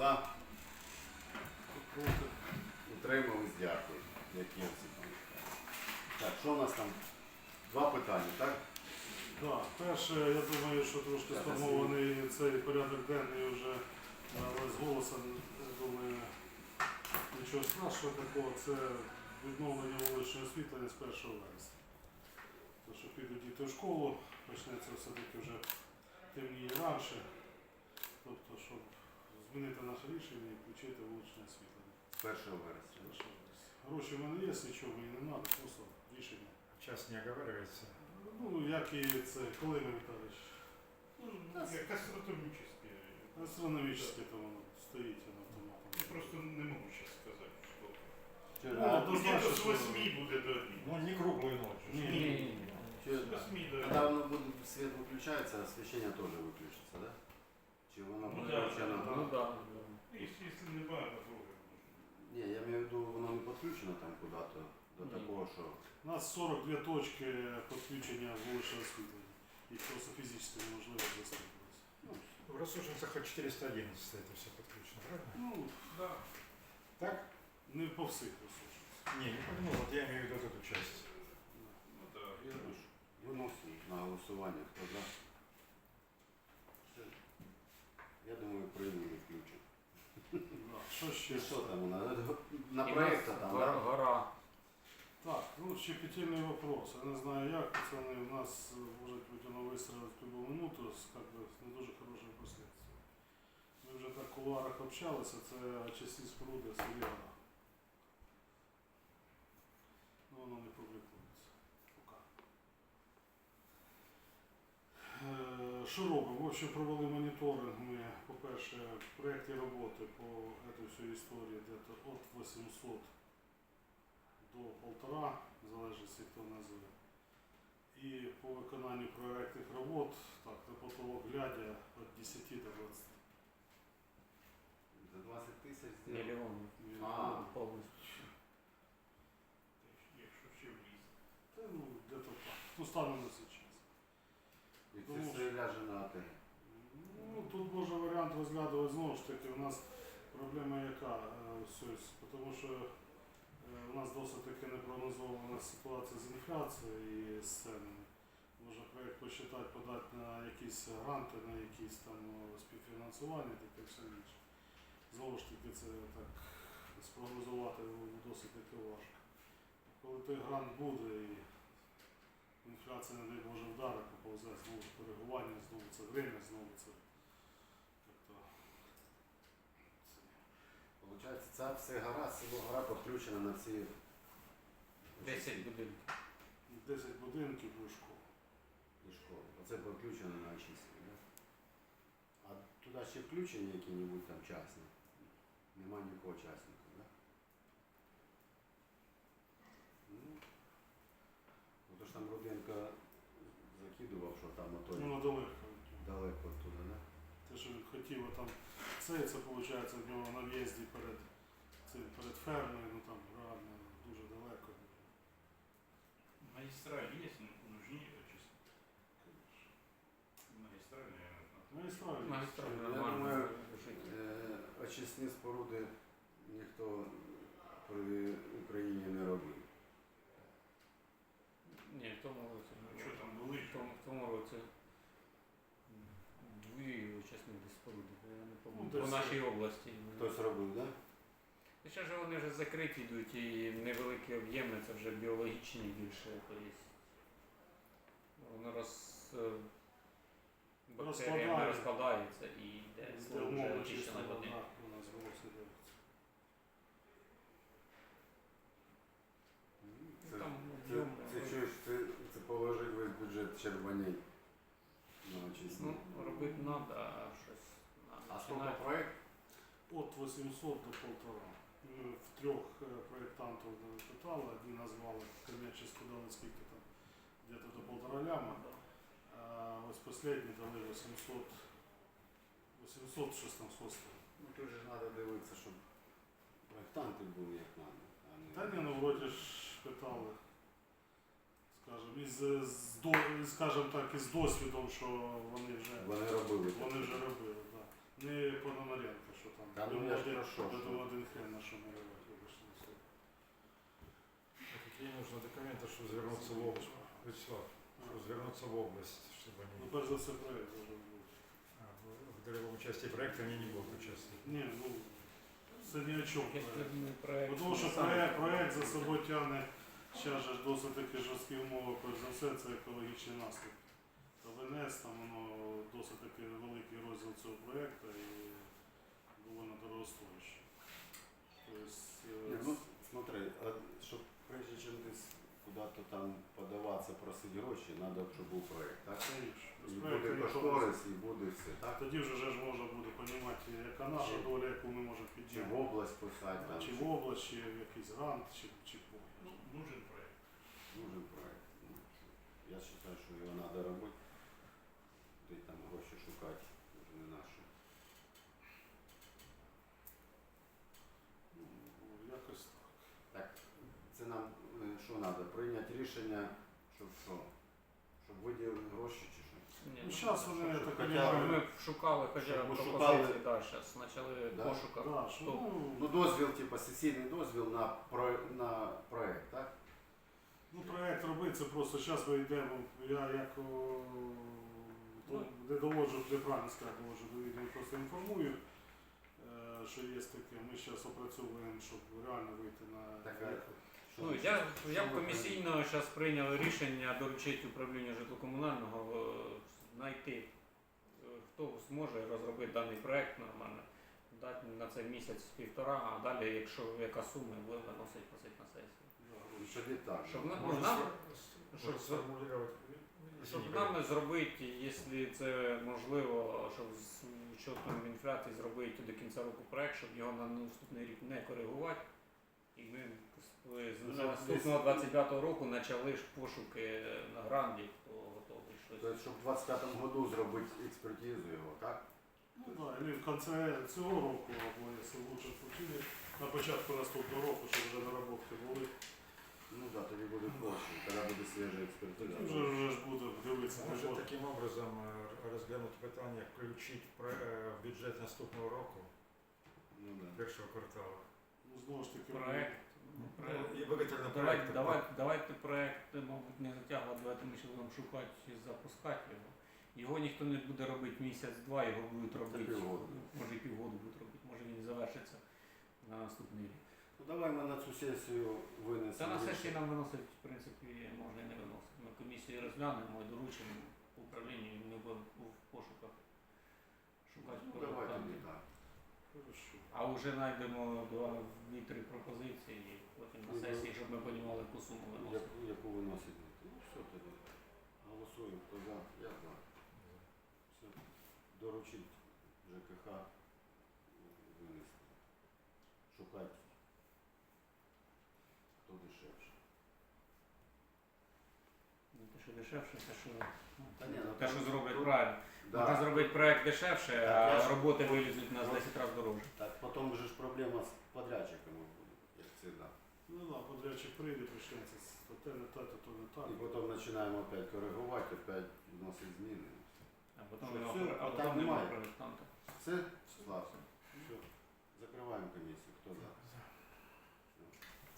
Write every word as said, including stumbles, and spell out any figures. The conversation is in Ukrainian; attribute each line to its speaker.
Speaker 1: За. Утримались, дякую. Які всі там. Так, що у нас там? Два питання, так?
Speaker 2: Так, перше, я думаю, що трошки
Speaker 1: Так,
Speaker 2: сформований цей порядок денний вже е, з голосом, я думаю, нічого страшного такого, це відновлення вуличного освітлення з першого вересня. Тому що підуть діти в школу, почнеться все-таки вже темніє раніше, тобто, щоб змінити наше рішення і включити вуличне освітлення.
Speaker 1: З першого вересня.
Speaker 2: Першого вересня. Гроші в мене є, нічого мені не треба, просто рішення.
Speaker 3: Час не оговаривается.
Speaker 2: Ну, як і це, коли ми Віталійович?
Speaker 4: Ну, как астрономические.
Speaker 2: Астрономічне то воно стоїть воно
Speaker 4: Я
Speaker 2: автоматом.
Speaker 4: просто не могу сейчас сказать, что.
Speaker 1: Чи,
Speaker 2: Ну,
Speaker 1: а,
Speaker 2: то
Speaker 4: Где-то
Speaker 2: значит,
Speaker 4: с
Speaker 2: что-
Speaker 4: восьми будет до одних.
Speaker 3: Ну, не круглую ночь.
Speaker 2: Не,
Speaker 4: Не,
Speaker 1: чи,
Speaker 4: с восьми до
Speaker 1: коли
Speaker 4: одних.
Speaker 1: воно буде, світ виключається, освітлення теж виключиться, да? Чи воно
Speaker 4: Ну,
Speaker 1: буде
Speaker 4: да,
Speaker 1: включено?
Speaker 4: да,
Speaker 5: Ну да.
Speaker 4: Если, если не багато трогать.
Speaker 1: Ні, я маю в виду, воно не підключено там куди-то до
Speaker 5: Ні.
Speaker 1: такого, що...
Speaker 2: У нас сорок дві точки підключення вуличного освітлення. Їх просто фізично неможливо достати.
Speaker 1: Ну,
Speaker 3: В рассужденцах от четыреста одиннадцать это все подключено, правильно?
Speaker 2: Ну,
Speaker 4: Да.
Speaker 3: Так?
Speaker 2: не по всіх ресурсах.
Speaker 3: Не, не понял. Вот я имею в виду вот эту часть.
Speaker 4: Ну да.
Speaker 1: я думаю, що виносимо на голосування, хто за. Все. Я думаю, приймемо і включимо.
Speaker 2: Да. Що ще?
Speaker 1: Чи що там у нас? На
Speaker 5: І
Speaker 1: проєкт
Speaker 5: в нас
Speaker 1: там,
Speaker 5: гора,
Speaker 1: да?
Speaker 5: гора.
Speaker 2: Так, ну щепетильний вопрос. Я не знаю як, пацани, у нас може бути воно вистрілити в будь-яку минуту з как би, не дуже хорошими последствиями. Ми вже так в кулуарах общалися, це очисні споруди Сиріана. Ну воно не публікується. Пока. Е, Що робимо? В общем, провели моніторинг ми, по-перше, в проєкті роботи по этой всій історії где-то от восьмисот до полтора, в залежності хто називе. І по виконанню проєктних робот, так, на потолок глядя, від десяти до двадцяти.
Speaker 1: За двадцять тисяч зробили.
Speaker 5: Мільйон.
Speaker 1: А.
Speaker 5: Повністю.
Speaker 4: Якщо ще вліз.
Speaker 2: Та, ну, где-то так. Ну, станом на сейчас.
Speaker 1: І це
Speaker 2: Тому
Speaker 1: все ляже на АТ.
Speaker 2: Ну, тут можна варіант розглядувати знову ж таки. У нас проблема яка? е, ось, тому що е, у нас досить таки непрогнозована ситуація з інфляцією і з ценами. Можна проєкт посчитати, подати на якісь гранти, на якісь там о, співфінансування, таке все інше. Знову ж таки, це так спрогнозувати досить таки важко. Коли той грант буде і інфляція, не дай Боже, вдарить, поповзе, знову ж коригування, знову це время, знову це. Тобто, це.
Speaker 1: Получається, ця вся гора, село гора підключена на ці
Speaker 5: десять будинків.
Speaker 2: десять будинків і школи.
Speaker 1: і школи. Оце підключено на очистку, да? А туди ще включені які-небудь там частні? Нема нікого частника, да? Ну, ну то ж там Руденко закидував, що там отой
Speaker 2: Ну, далеко.
Speaker 1: далеко туди, да?
Speaker 2: Те, що він хотів, а там це, це виходить в нього на в'їзді перед, цим, перед фермою, ну там реально дуже далеко.
Speaker 4: Магистраль есть, но нужнее очистить. Магистраль, наверное.
Speaker 2: Магістральний.
Speaker 5: Магістраль
Speaker 1: Я
Speaker 5: нормально
Speaker 1: думаю,
Speaker 5: жити.
Speaker 1: Е, очисні споруди ніхто при Україні не робив.
Speaker 5: Ні, в тому році.
Speaker 4: Ну, що там були?
Speaker 5: В тому, в тому році дві учасні споруди, я не
Speaker 2: Ну,
Speaker 5: пам'ятаю. По
Speaker 2: десь-
Speaker 5: нашій області.
Speaker 1: Хтось робив, так? Да?
Speaker 5: І ще ж вони вже закриті йдуть і невеликі об'єми, це вже біологічні більше. Тобто воно роз... бактеріями
Speaker 2: Розкладає.
Speaker 5: розкладається і йде
Speaker 2: Це
Speaker 5: слой вже
Speaker 2: умовно
Speaker 5: очищеної
Speaker 2: чисто
Speaker 5: води.
Speaker 2: вода у нас було все дивиться.
Speaker 1: Це,
Speaker 5: Там
Speaker 1: це,
Speaker 5: об'єм,
Speaker 1: це,
Speaker 5: е,
Speaker 1: чуєш, це, це положить весь бюджет Червоней на очисні.
Speaker 5: Ну, робити треба, а щось
Speaker 1: А
Speaker 5: треба
Speaker 1: сколько
Speaker 5: починати.
Speaker 1: проект?
Speaker 2: От восьмисот до полтора. Ми в трьох е, проєктантів питали, одні назвали коммерчески дали скільки там, где-то до полтора ляма. А ось останні дали вісімсот, вісімсот щось там сотень.
Speaker 1: Ну тут же треба дивитися, щоб проєктанти були як треба.
Speaker 2: Та ні, ну вроді ж питали, скажімо, із, з, до- скажімо так, із досвідом, що вони вже,
Speaker 1: Вони робили.
Speaker 2: вони вже робили, так. Не Пономаренко, що там.
Speaker 1: Та ну
Speaker 2: будемо
Speaker 1: я ж
Speaker 2: один-
Speaker 1: про що,
Speaker 2: будемо
Speaker 1: що?
Speaker 2: один хрен на що малювати, вибачте на слово.
Speaker 3: А какие нужны документы, чтобы вернуться в область? Вячеслав, чтобы вернуться в область, чтобы
Speaker 2: Ну,
Speaker 3: они
Speaker 2: перш за все, проєкт должен бути.
Speaker 3: а, в долевом участии проекта они не будут участвовать.
Speaker 2: Ні, ну, це ні о чому
Speaker 5: Якщо
Speaker 2: проєкт.
Speaker 5: б проект
Speaker 2: Бо Тому що
Speaker 5: сам-
Speaker 2: проєкт, проєкт за собою тягне ще ж досить таки жорсткі умови, перш за все, це екологічний наслідок. Та ВНС, там воно досить таки великий розділ цього проєкту і доволі дорогостояще. Тобто,
Speaker 1: Не,
Speaker 2: е,
Speaker 1: ну, смотри, а щоб прежде чим ти с- куди-то там подаватися, просити гроші, треба, щоб був проєкт, так?
Speaker 2: конечно, без
Speaker 1: І
Speaker 2: проєкту
Speaker 1: буде
Speaker 2: нічого не
Speaker 1: кошторис, і буде все, так?
Speaker 2: тоді вже ж можна буде розуміти, яка наша
Speaker 1: Чи-
Speaker 2: доля, яку ми можемо
Speaker 1: Чи в
Speaker 2: підняти.
Speaker 1: область писати, там,
Speaker 2: Чи в область, чи в якийсь грант, чи, чи в
Speaker 4: Ну, нужен проект.
Speaker 1: нужен проєкт. Ну, я вважаю, що його треба робити, де там гроші шукати, вже не наші.
Speaker 2: Ну, якось так.
Speaker 1: Так, це нам е, що треба? Прийняти рішення, щоб що? Щоб виділили гроші чи що?
Speaker 5: Ні,
Speaker 2: Ну,
Speaker 5: ну,
Speaker 2: зараз
Speaker 1: щоб-
Speaker 2: вони, я
Speaker 1: щоб
Speaker 2: так
Speaker 1: хоча
Speaker 5: Щоб
Speaker 2: розумію,
Speaker 5: ми шукали хоча
Speaker 1: Щоб
Speaker 5: б
Speaker 1: ми
Speaker 5: пропозиції,
Speaker 1: шукали-
Speaker 5: да, зараз почали
Speaker 1: Да?
Speaker 5: пошуках.
Speaker 2: да, що,
Speaker 5: Хто?
Speaker 1: Ну, дозвіл, типу, сесійний дозвіл на, про, на проєкт, так?
Speaker 2: Ну, проєкт робити, це просто зараз ми йдемо, я як о,
Speaker 5: Ну.
Speaker 2: то, не доводжу, не правильно сказати, доводжу до відео, просто інформую, е, що є таке. Ми зараз опрацьовуємо, щоб реально вийти на
Speaker 1: Так, а що
Speaker 5: Ну,
Speaker 1: ви-
Speaker 5: я,
Speaker 1: що
Speaker 5: я
Speaker 1: ви
Speaker 5: комісійно зараз прийняв рішення доручити управлінню житлокомунального е, знайти, е, хто зможе розробити даний проект нормально, дати на це місяць-півтора, а далі, якщо яка сума, буде виносить просить на сесію.
Speaker 1: Ну, що не так?
Speaker 5: Щоб на-
Speaker 3: Можно
Speaker 5: нам-
Speaker 3: сфор-
Speaker 5: щоб-
Speaker 3: можно сформулировать.
Speaker 5: Щоб
Speaker 3: Извини,
Speaker 5: нам зробити, якщо це можливо, щоб з учетом інфляції зробити до кінця року проект, щоб його на наступний рік не коригувати. І ми з- з
Speaker 1: Ну,
Speaker 5: з
Speaker 1: щоб
Speaker 5: наступного
Speaker 1: десь-
Speaker 5: двадцять п'ятого року почали ж пошуки на гранді, хто готовий щось.
Speaker 1: Тобто, щоб в двадцять п'ятому году зробити експертизу його, так?
Speaker 2: Ну так, і в кінці цього року, або якщо лучше случилось, на початку наступного року, щоб вже наработки були.
Speaker 1: Ну так, тоді буде проще, тоді буде свіжа експертиза.
Speaker 2: Тоді вже, вже ж буде дивитися. не
Speaker 3: Може
Speaker 2: буде.
Speaker 3: таким образом е, розглянути питання, включити в про- е, в бюджет наступного року,
Speaker 1: Ну, да.
Speaker 3: першого кварталу.
Speaker 2: Ну, знову ж таки,
Speaker 5: Проект. ну, проект.
Speaker 3: Ну, і виготовлено
Speaker 5: Давай,
Speaker 3: проект.
Speaker 5: давай, давайте проект, мабуть, не затягувати, давайте ми ще будемо шукати і запускати його. Його ніхто не буде робити місяць-два, його будуть робити,
Speaker 1: півгода.
Speaker 5: може і півгоду будуть робити, може він і завершиться на наступний рік.
Speaker 1: Ну давай ми на цю сесію винесемо.
Speaker 5: Та на
Speaker 1: рішення.
Speaker 5: сесії нам виносить, в принципі, можна і не виносити. Ми комісію розглянемо і доручимо управлінню, і ми будемо в пошуках шукати
Speaker 1: Ну давай
Speaker 5: проєктанти.
Speaker 1: тоді так.
Speaker 2: хорошо.
Speaker 5: А вже знайдемо два дві-три пропозиції, і потім на
Speaker 1: Ну,
Speaker 5: сесії, щоб ми розуміли, яку суму виносити.
Speaker 1: Яку, яку виносить? Ну все тоді. Голосуємо, хто за, я за. Все. Доручить ЖКХ винести. Шукати, хто дешевше.
Speaker 5: Ну, те, що дешевше, те, що, ну,
Speaker 1: Та ні, ну,
Speaker 5: те,
Speaker 1: там
Speaker 5: що зроблять
Speaker 1: тут-
Speaker 5: правильно. Можна зробити проект дешевше,
Speaker 1: Так, я
Speaker 5: а
Speaker 1: ж-
Speaker 5: роботи вилізуть на десять разів дорожче.
Speaker 1: Так, потім вже ж проблема з подрядчиками буде, як завжди.
Speaker 2: Ну так, подрядчик прийде, почнеться з то те не те, то то не так.
Speaker 1: І потім починаємо опять коригувати, опять вносити зміни.
Speaker 5: А потім
Speaker 1: Що,
Speaker 5: нема,
Speaker 1: все,
Speaker 5: про- а
Speaker 1: питань
Speaker 5: потім нема
Speaker 1: немає?
Speaker 5: проєктанта.
Speaker 1: Все? Слава. Все. Закриваємо комісію. Хто за?